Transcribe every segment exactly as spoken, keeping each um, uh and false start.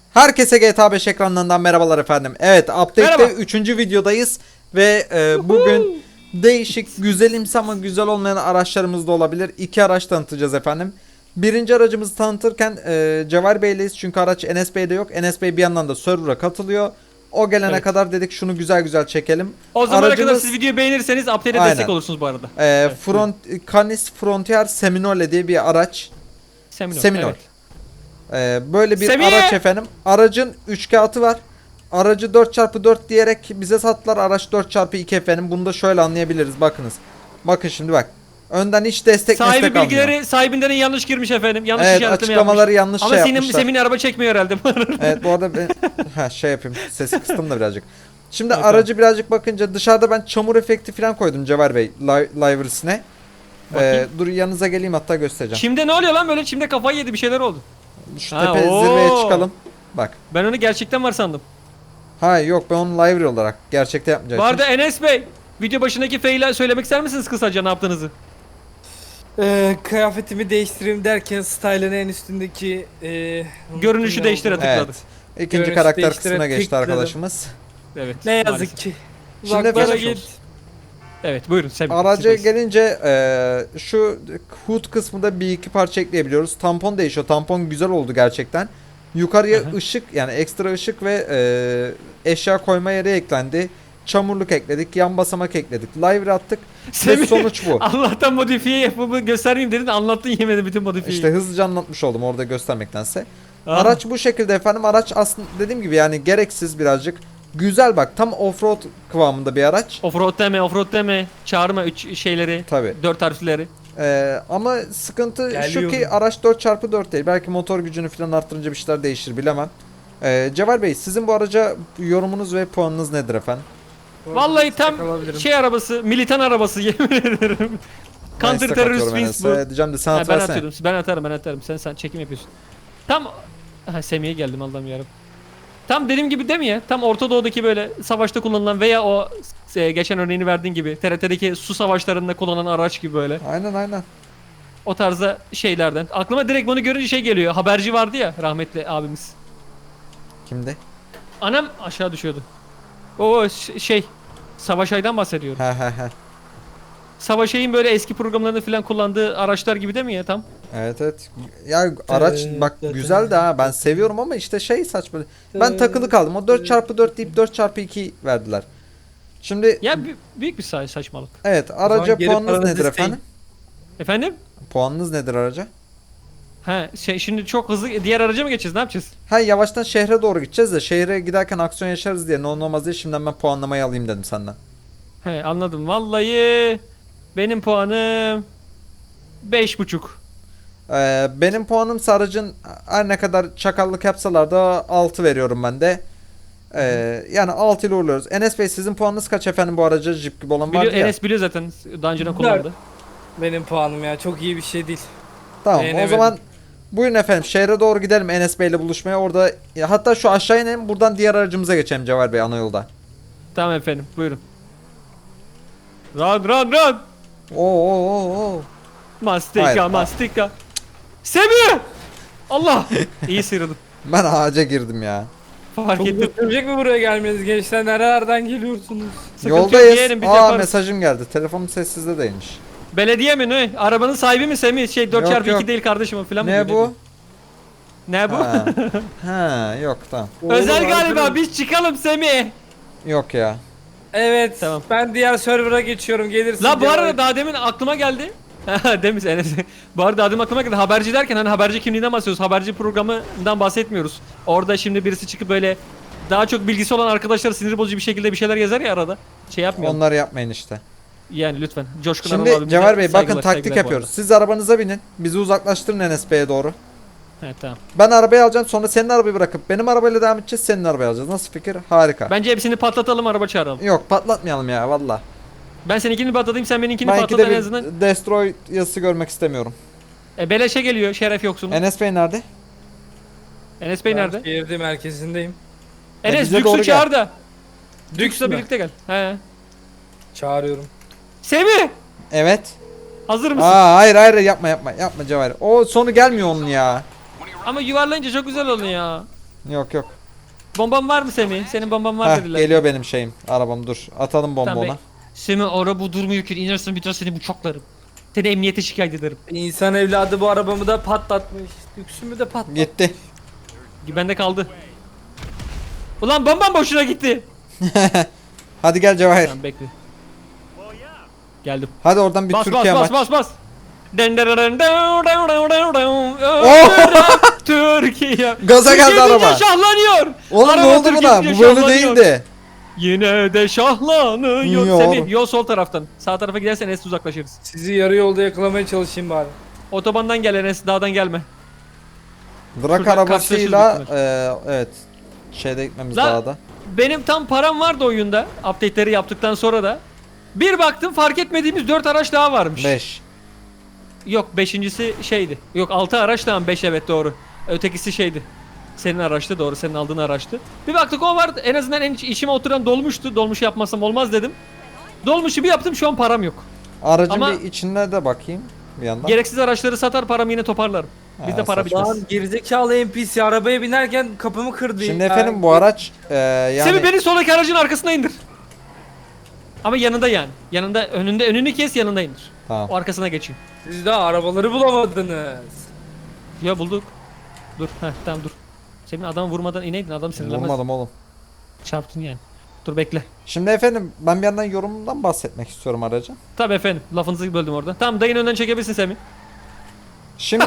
Herkese G T A beş ekranlarından merhabalar efendim. Evet, update'te üçüncü videodayız ve e, bugün değişik, güzelimsi ama güzel olmayan araçlarımız da olabilir. İki araç tanıtacağız efendim. Birinci aracımızı tanıtırken e, Cevher Bey'leyiz çünkü araç Enes Bey'de yok. Enes Bey bir yandan da server'a katılıyor. O gelene evet. kadar dedik şunu güzel güzel çekelim. O zamana Aracımız, kadar siz videoyu beğenirseniz update'e destek olursunuz bu arada. E, evet, Front, Canis Frontier Seminole diye bir araç. Seminole. Seminole. Evet. Ee, böyle bir Semih! araç efendim. Aracın üç kağıtı var. Aracı dört çarpı dört diyerek bize sattılar. Araç dört çarpı iki efendim. Bunu da şöyle anlayabiliriz. Bakınız. Bakın şimdi bak. Önden hiç destek Sahibi destek bilgileri almıyor. sahibinden yanlış girmiş efendim. Yanlış Evet, işaretleme açıklamaları yapmış. yanlış şey Ama senin, yapmışlar. Semih'in araba çekmiyor herhalde. Evet, bu arada ben ha, şey yapayım. Sesi kıstım da birazcık. Şimdi evet, aracı birazcık bakınca dışarıda ben çamur efekti falan koydum Cevher Bey li livers'ine. Ee, dur yanınıza geleyim hatta göstereceğim. Çimde ne oluyor lan böyle? Çimde kafayı yedi, bir şeyler oldu. Şu ha, tepe oo. zirveye çıkalım. Bak. Ben onu gerçekten var sandım. Hayır yok, ben onu live olarak gerçekte yapmayacağım. Bu arada Enes Bey, video başındaki fail'i söylemek ister misiniz kısaca ne yaptığınızı? Ee, kıyafetimi değiştireyim derken style'ın en üstündeki e, görünüşü değiştire tıkladı. Evet. İkinci Görünüş karakter kısmına geçti tıkladım. arkadaşımız. Evet. Ne yazık maalesef. ki. Şimdi Uzaklara geçmiş git. Evet buyurun Semih. Araca gelince e, şu hood kısmında bir iki parça ekleyebiliyoruz. Tampon değişiyor. Tampon güzel oldu gerçekten. Yukarıya Hı hı. ışık, yani ekstra ışık ve e, eşya koyma yeri eklendi. Çamurluk ekledik, yan basamak ekledik, live attık Semih, ve sonuç bu. Allah'tan modifiye yapımı göstermeyeyim dedin, anlattın yemedi bütün modifiyeyi. İşte hızlıca anlatmış oldum orada göstermektense. Aha. Araç bu şekilde efendim. Araç aslında dediğim gibi yani gereksiz birazcık. Güzel bak, tam offroad kıvamında bir araç. Offroad deme, offroad deme. Çağırma üç şeyleri. Tabii. dört harfleri. Ee, ama sıkıntı Geliyorum. şu ki araç dört çarpı dört değil. Belki motor gücünü falan arttırınca bir şeyler değişir, bilemem. Ee, Cevher Bey, sizin bu araca yorumunuz ve puanınız nedir efendim? Vallahi tam şey arabası, militan arabası yemin ederim. Counter terörist wins bu. Diyeceğim de sen Ha, at ben versene. atıyorum. Ben atarım, ben atarım. Sen sen çekim yapıyorsun. Tam ha, Semih'e geldim Allah'ım yarabbim. Tam dediğim gibi değil mi ya? Tam Orta Doğu'daki böyle savaşta kullanılan veya o e, geçen örneğini verdiğin gibi T R T'deki su savaşlarında kullanılan araç gibi böyle. Aynen aynen. O tarzda şeylerden. Aklıma direkt bunu görünce şey geliyor. Haberci vardı ya rahmetli abimiz. Kimdi? Anam aşağı düşüyordu. O ş- şey Savaş Ay'dan bahsediyorum. He he he. Savaş Ay'ın böyle eski programlarını falan kullandığı araçlar gibi değil mi ya tam? Evet evet. Ya araç bak güzel de ha, ben seviyorum ama işte şey saçma. Ben takılı kaldım. O dört çarpı dört deyip dört çarpı iki verdiler. Şimdi Ya bü- büyük bir sa- saçmalık. evet, araca geri puanınız paranızı nedir isteyin. efendim? Efendim? Puanınız nedir araca? Ha şey, şimdi çok hızlı diğer araca mı geçeceğiz? Ne yapacağız? Ha, yavaştan şehre doğru gideceğiz de şehre giderken aksiyon yaşarız diye ne olmaz diye şimdiden ben puanlamayı alayım dedim senden. He anladım. Vallahi benim puanım beş buçuk. Ee, benim puanım aracın her ne kadar çakallık yapsalar da altı veriyorum ben de. Ee, yani altı ile uğurluyoruz. Enes Bey, sizin puanınız kaç efendim bu araca, jip gibi olan Biliyor, vardı ya. Enes biliyor zaten daha önceden kullandı. Benim puanım ya çok iyi bir şey değil. Tamam, o Beğenemedim. zaman buyurun efendim, şehre doğru gidelim Enes Bey ile buluşmaya. Orada ya, hatta şu aşağı inelim, buradan diğer aracımıza geçelim Cevher Bey, ana yolda. Tamam efendim buyurun. Run run run. Oo oo oo oo. Mastika Hayır. mastika. Semih! Allah! İyi sıyrıldım. Ben ağaca girdim ya. Fark Çok ettim. götürecek mi buraya gelmeniz gençler? Nerelerden geliyorsunuz? Sıkıntı yok, Yoldayız. yeğenim, biz Aa, yaparız. mesajım geldi. Telefonum sessizde değilmiş. Belediye mi ne? Arabanın sahibi mi Semih? Şey dört Yok, çarpı iki yok. değil kardeşim falan mı? Ne diyor, bu? Ne bu? Ha. Ha, yok tamam. Özel Oğlum, galiba, arkadaş- biz çıkalım Semih. Yok ya. Evet. Tamam. Ben diğer server'a geçiyorum. Gelirsin. La bu Cevher. arada daha demin aklıma geldi. Demiş Enes. Bu arada daha demin aklıma geldi. Haberci derken hani haberci kimliğinden bahsediyoruz. Haberci programından bahsetmiyoruz. Orada şimdi birisi çıkıp böyle daha çok bilgisi olan arkadaşlar sinir bozucu bir şekilde bir şeyler yazar ya arada. Şey yapmayalım. Onları yapmayın işte. Yani lütfen. Coşkun Anıl Şimdi abimize Cevher Bey bakın, saygılar, taktik saygılar bu yapıyoruz. Siz arabanıza binin. Bizi uzaklaştırın Enes Bey'e doğru. arada. Evet tamam. Ben arabayı alacağım, sonra senin arabayı bırakıp benim arabayla devam edeceğiz, senin arabayı alacağız. Nasıl fikir? Harika. Bence hepsini patlatalım, araba çağıralım. Yok, patlatmayalım ya valla. Ben seninkini patlatayım, sen benimkini Ben patlat ikide en azından. bir destroy yazısı görmek istemiyorum. E, beleşe geliyor, şeref yoksun. Enes Bey nerede? Enes Bey Ben nerede? Şehirde merkezindeyim. Enes bize doğru Düks'ü gel. çağır da. Düks Düks'le mü? birlikte gel. He. Çağırıyorum. Semih! Evet. Hazır mısın? Aa, hayır hayır yapma yapma yapma Cevher. O sonu gelmiyor onun ya. Ama yuvarlayınca çok güzel oluyor ya. Yok yok. Bomban var mı Semih? Senin bomban var Heh, dediler. geliyor benim şeyim. Arabam dur. Atalım bomba Tamam, ona. be- Semih araba durmuyor ki. İnersin bir tane seni bıçaklarım. Seni emniyete şikayet ederim. İnsan evladı bu arabamı da patlatmış. Lüksümü de patlatmış. Gitti. Bende kaldı. Ulan bombam boşuna gitti. Hadi gel Cevahir. Tamam bekle. Geldim. Hadi oradan bir Bas bas Türkiye bas maç. bas bas. Den den den den den den den den. Oh! Türkiye. Gaza geldi Türkiye araba. deyince şahlanıyor. Oğlum Araba ne oldu Türkiye buna? deyince Bu böyle şahlanıyor. değildi. Yine de şahlanıyor. Yok. Semih yol sol taraftan. Sağ tarafa gidersen Enes uzaklaşırız. Sizi yarı yolda yakalamaya çalışayım bari. Otobandan gel Enes, dağdan gelme. Drak Şuradan arabasıyla karşılaşırız e, evet. Şeyde gitmemiz La- dağda. Benim tam param vardı oyunda. Update'leri yaptıktan sonra da. Bir baktım fark etmediğimiz dört araç daha varmış. beş. Yok beşincisi şeydi. Yok altı araç tamam beş evet doğru. Ötekisi şeydi. Senin araçtı doğru senin aldığın araçtı. Bir baktık o vardı en azından en iç- içime oturan dolmuştu. Dolmuş yapmasam olmaz dedim. Dolmuşu bir yaptım şu an param yok. Aracın Ama- bir içine de bakayım bir yandan. Gereksiz araçları satar paramı yine toparlarım. Bizde Ha, para saçma. bitmez. Lan gerizekalı N P C arabaya binerken kapımı kırdı. Şimdi ya. efendim bu araç e, yani Semih beni soldaki aracın arkasına indir. Ama yanında yani. Yanında önünde önünü kes yanında indir. tamam. O arkasına geçeyim. Siz daha arabaları bulamadınız. Ya bulduk. Dur heh tamam dur. Senin adamı vurmadan ineydin adam sinirlenmez. Vurmadım oğlum. Çarptın yani. Dur bekle. Şimdi efendim ben bir yandan yorumumdan bahsetmek istiyorum aracın. Tabii efendim lafınızı böldüm orada. Tamam dayın önden çekebilirsin Semih. Şimdi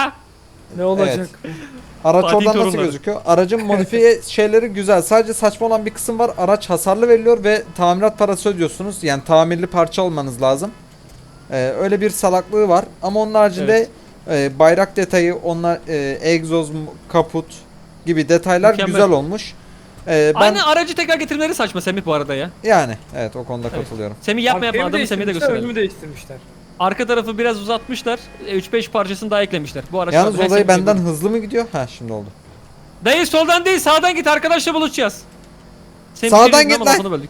Ne olacak? araç Fatih oradan nasıl torunları. gözüküyor? Aracın modifiye şeyleri güzel. Sadece saçma olan bir kısım var. Araç hasarlı veriliyor ve tamirat parası ödüyorsunuz. Yani tamirli parça almanız lazım. Ee, öyle bir salaklığı var. Ama onun haricinde e, bayrak detayı, onlar e, egzoz, kaput gibi detaylar Mükemmel. güzel olmuş. Ee, ben Aynı aracı tekrar getirmeleri saçma Semih bu arada ya. yani evet o konuda Evet. katılıyorum. Semih yapma yapma Arkayı mı adamı Semih'e de değiştirmişler, gösterelim. önümü değiştirmişler. Arka tarafı biraz uzatmışlar. üç beş parçasını daha eklemişler. Bu araç Yalnız her olayı Semih'e benden göre. hızlı mı gidiyor? Ha şimdi oldu. Dayı soldan değil sağdan git arkadaşla buluşacağız. Semih Sağdan geliyor git ama lan. lafını böldük.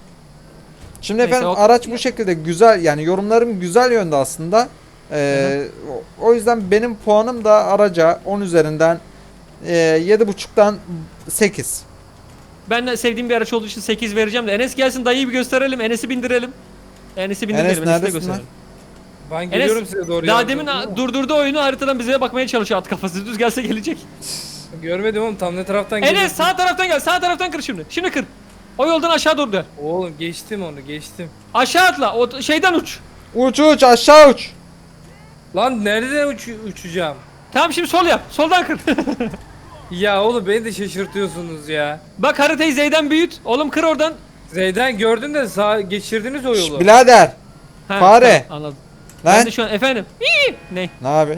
Şimdi Neyse, efendim o- araç bu şekilde güzel yani yorumlarım güzel yönde aslında. Ee, o- o yüzden benim puanım da araca on üzerinden e, yedi buçuktan sekiz. Ben de sevdiğim bir araç olduğu için sekiz vereceğim de Enes gelsin dayıyı bir gösterelim. Enes'i bindirelim. Enes'i bindirelim. Enes Enes'i de neredesin gösterelim. Ben geliyorum Enes size doğru. daha yardım demin ediyorum ama durdurdu oyunu haritadan bize bakmaya çalışıyor at kafası. Düz gelse gelecek. Görmedim oğlum tam ne taraftan Enes sağ taraftan gel. Sağ taraftan kır şimdi. Şimdi kır. O yoldan aşağı doğru dön. Oğlum geçtim onu geçtim. Aşağı atla. O t- şeyden uç. Uç uç aşağı uç. Lan nerede uç uçacağım? Tamam şimdi sol yap. Soldan kır. Ya oğlum beni de şaşırtıyorsunuz ya. Bak haritayı Z'den büyüt. Oğlum kır oradan. Zeyden gördün de sağ geçirdiniz o Şş, yolu. birader. Ha, Fare. tamam, anladım. Ben Lan de şu an efendim. İyi. Ne? ne abi?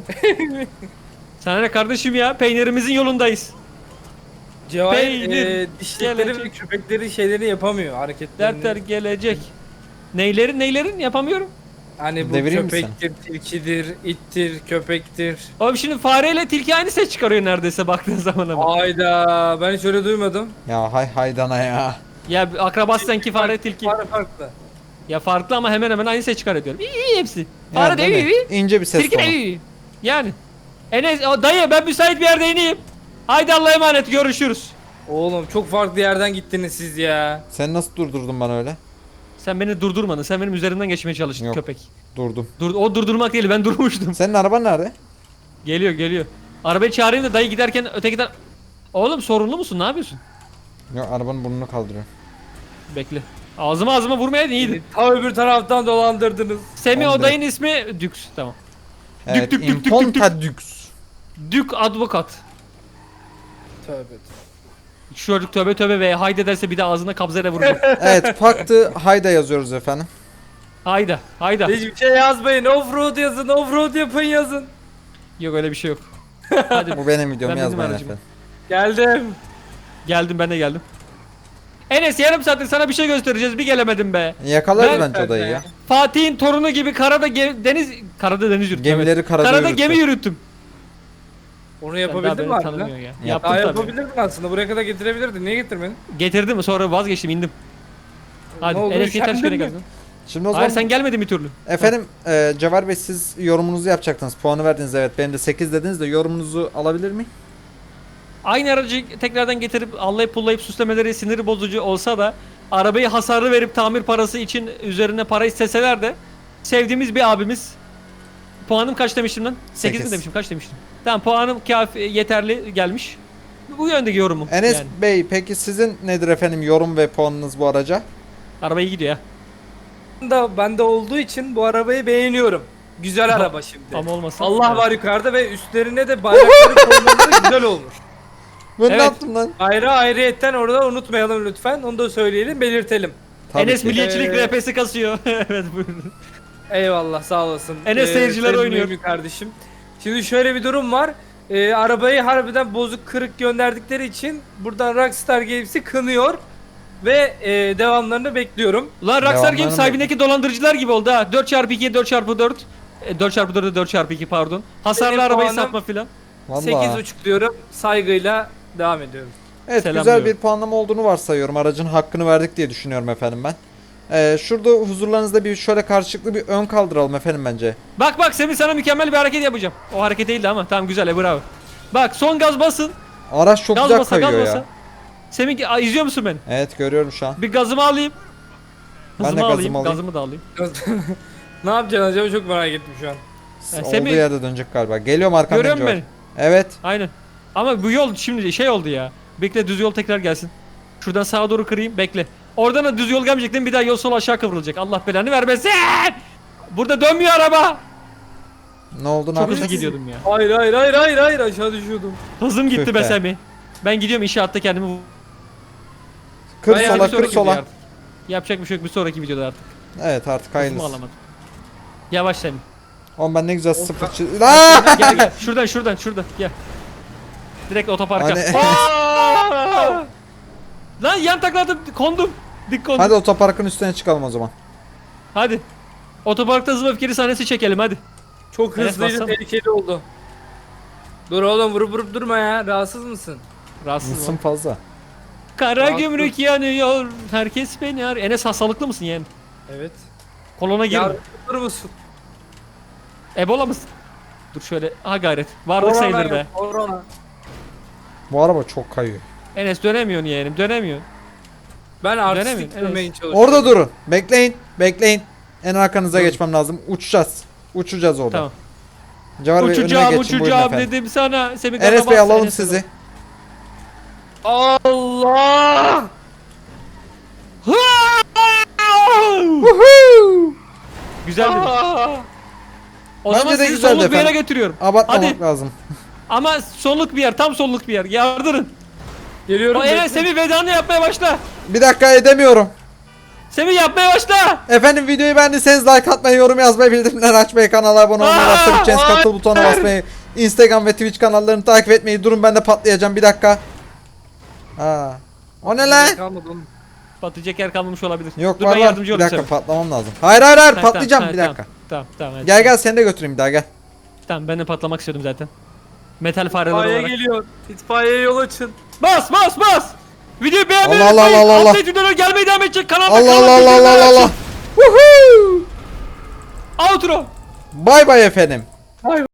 Sana ne kardeşim ya? Peynirimizin yolundayız. Cevahir Peynir, e, dişlikleri ve gelecek. köpekleri şeyleri yapamıyor hareketlerini. Dertler gelecek. Neylerin neylerin yapamıyorum. Hani bu Devireyim mi köpektir, tilkidir, ittir, köpektir. Oğlum şimdi fareyle tilki aynı ses çıkarıyor neredeyse baktığın zaman ama. Ayda ben hiç öyle duymadım. Ya hay haydana ya. Ya akrabası sanki fare tilki. Fare farklı. Ya farklı ama hemen hemen aynı ses çıkarıyor diyorum. İyi iyi hepsi. Yani Fare de değil iyi mi? iyi. İnce bir ses Tilki de tonu. iyi. Yani. Enes o dayı ben müsait bir yerde ineyim. Haydi Allah'a emanet görüşürüz. Oğlum çok farklı yerden gittiniz siz ya. Sen nasıl durdurdun bana öyle? Sen beni durdurmadın. Sen benim üzerimden geçmeye çalıştın Yok. köpek. Durdum. Dur, o durdurmak değil ben durmuştum. Senin araban nerede? Geliyor geliyor. Arabayı çağırayım da dayı giderken öteki tar... Oğlum sorunlu musun? Ne yapıyorsun? Yok arabanın burnunu kaldırıyor. Bekle. Ağzıma ağzıma vurmayaydın iyiydi. Ta öbür taraftan dolandırdınız. Semih Tamam, o dayın ismi Dux. Tamam. Evet, dük, dük, dük, Imponta Dux. Dük Advokat. Tövbe. Şu çocuk tövbe tövbe ve haydi derse bir de ağzına kabzayla vuracak. Evet, Paktı Hayda yazıyoruz efendim. Hayda. Hayda. Hiçbir şey yazmayın. Offroad yazın, offroad yapın yazın. Yok öyle bir şey yok. Hadi Bu benim videom Ben benim yazmayın aracım. efendim. Geldim. geldim ben de geldim. Enes yarım saattir sana bir şey göstereceğiz bir gelemedim be. Yakalarız Ben- bence odayı ya. Fatih'in torunu gibi karada ge- deniz karada deniz yürüttüm. Gemileri evet. karada Karada yürüttü. gemi yürüttüm. Onu Sen daha yapabildin beni mi abi? tanımıyorsun ya. Yap. Yaptım Daha tabii. yapabilirdin aslında. Buraya kadar getirebilirdin. Niye getirmedin? Getirdim sonra vazgeçtim indim. Hadi Ne oldu, Enes yeter üşendin şöyle mi? geldin. Şimdi o zaman Hayır sen gelmedin bir türlü. efendim e, Cevher Bey siz yorumunuzu yapacaktınız. Puanı verdiniz evet. Benim de sekiz dediniz de yorumunuzu alabilir miyim? Aynı aracı tekrardan getirip allayıp pullayıp süslemeleri sinir bozucu olsa da arabayı hasarlı verip tamir parası için üzerine para isteseler de sevdiğimiz bir abimiz. Puanım kaç demiştim lan? sekiz mi Sekiz. demiştim? Kaç demiştim? Tamam, puanım kafi yeterli gelmiş. Bu yöndeki yorumum. Enes yani. Bey peki sizin nedir efendim yorum ve puanınız bu araca? Araba iyi gidiyor ya. Da bende olduğu için bu arabayı beğeniyorum. Güzel Ama- araba şimdi. Ama olmasa. Allah Evet. var yukarıda ve üstlerine de bayrakları koymaları güzel olmuş. Ben Evet. ne yaptım lan? Ayrı ayrıyetten orada unutmayalım lütfen. Onu da söyleyelim, belirtelim. Tabii Enes ki. milliyetçilik Ee, R P'si kasıyor. Evet buyurun. Eyvallah, sağ olasın. Enes seyirciler sayın oynuyor. Mümin kardeşim. Şimdi şöyle bir durum var. Ee, arabayı harbiden bozuk kırık gönderdikleri için buradan Rockstar Games'i kınıyor. Ve e, devamlarını bekliyorum. Lan Rockstar Devamlarını Games sahibindeki dolandırıcılar gibi oldu ha. dört çarpı iki, dört çarpı dört. E, dört çarpı dört'e dört çarpı iki pardon. Hasarlı Benim arabayı puanım- satma filan. Vallahi. sekiz buçuk diyorum. Saygıyla devam ediyorum. Evet Selam güzel diyorum. bir puanlama olduğunu varsayıyorum. Aracın hakkını verdik diye düşünüyorum efendim ben. Ee, şurada huzurlarınızda bir şöyle karşılıklı bir ön kaldıralım efendim bence. Bak bak Semih, sana mükemmel bir hareket yapacağım. O hareket değildi ama tamam, güzel, e, bravo. Bak son gaz basın. Araç çok Gaz güzel basa gaz kayıyor basa. ya. Semih, a, izliyor musun beni? Evet görüyorum şu an. Bir gazımı alayım. Ben de Hızımı gazımı alayım, alayım. gazımı da alayım. Ne yapacaksın acaba, çok merak ettim şu an. Ha, Olduğu Semih, yerde dönecek galiba. Geliyorum arkamdan. görüyor musun George. beni? Evet. Aynen. Ama bu yol şimdi şey oldu ya. Bekle, düz yol tekrar gelsin. Şuradan sağa doğru kırayım, bekle. Oradan da düz yol gelmeyecek değil mi? Bir daha yol sol aşağı kıvrılacak. Allah belanı vermesin. Burada dönmüyor araba. Ne oldu ne Çok hızlı yapacağız? gidiyordum ya. Hayır hayır hayır hayır hayır, aşağı düşüyordum. Hızım gitti Tüh be be. Semih. Ben gidiyorum inşaatta kendimi vu- Kır Bayağı sola Bir kır sonraki sola. video artık. Yapacak bir şey yok, bir sonraki videoda artık. Evet artık Hızımı hayırlısı. alamadım. Yavaş Semih. Oğlum ben ne güzel sıfır çiz... Aaaa! Gel gel. Şuradan şuradan şuradan gel. Direkt otoparka. Hani- Aa! Lan yan takladım, kondum. Dik kondum. Hadi otoparkın üstüne çıkalım o zaman. Hadi. Otoparkta hızlı ve öfkeli sahnesi çekelim hadi. Çok Enes, hızlıydı, bassana. tehlikeli oldu. Dur oğlum, vurup vurup durma ya. Rahatsız mısın? Rahatsız Mısın ol. fazla. Kara Rahatsız. gümrük yanıyor. Herkes beni arıyor. Enes, hastalıklı mısın yeğen? Evet. Kolona girme. Ya dur musun? Ebola mısın? Dur şöyle. Ha gayret. Varlık sayılır be. yok, Korona. Bu araba çok kayıyor. Enes dönemiyorsun yeğenim, dönemiyorsun. Ben artistik Dönemiyorum, durmaya evet. çalışıyorum. Orada durun. Bekleyin. Bekleyin. En arkanıza geçmem lazım. Uçacağız. Uçacağız orada. Tamam. Cevher Bey önüme Uçacağım geçin buyurun uçacağım efendim. dedim sana. Semih Enes gaza Bey bas, alalım Enes sizi. Allah! Güzel mi? O Bence zaman de sizi güzeldi sonluk bir yere efendim. götürüyorum. Abartmamak Hadi. lazım. Ama sonluk bir yer, tam sonluk bir yer. Yardırın. Geliyorum. O Enes, bekle. Semih vedanı yapmaya başla. Bir dakika edemiyorum. Semih yapmaya başla. Efendim videoyu beğendiyseniz like atmayı, yorum yazmayı, bildirimleri açmayı, kanala abone olmayı, Aa, WhatsApp için hayır. katıl butonuna basmayı, Instagram ve Twitch kanallarını takip etmeyi. Durun ben de patlayacağım bir dakika. Aa. O ne lan? Kalmadı oğlum. Patlayacak yer kalmamış olabilir. Yok Dur var ben var. yardımcı Bir olayım dakika sana. patlamam lazım. Hayır hayır hayır Ha, patlayacağım tamam, bir ha, dakika. Tamam tamam. tamam hadi. Gel gel seni de götüreyim bir daha gel. Tamam, ben de patlamak istiyordum zaten. Metal fareler İtfaiye olarak. geliyor. İtfaiye yol açın. Bas bas bas. Videoyu beğenmeyi Allah Allah unutmayın. Allah Allah. Update videoları gelmeye devam edecek. Kanalda Allah kanal Allah Allah Allah bildirimleri Allah. açın. Woohoo! Outro. Bay bay efendim.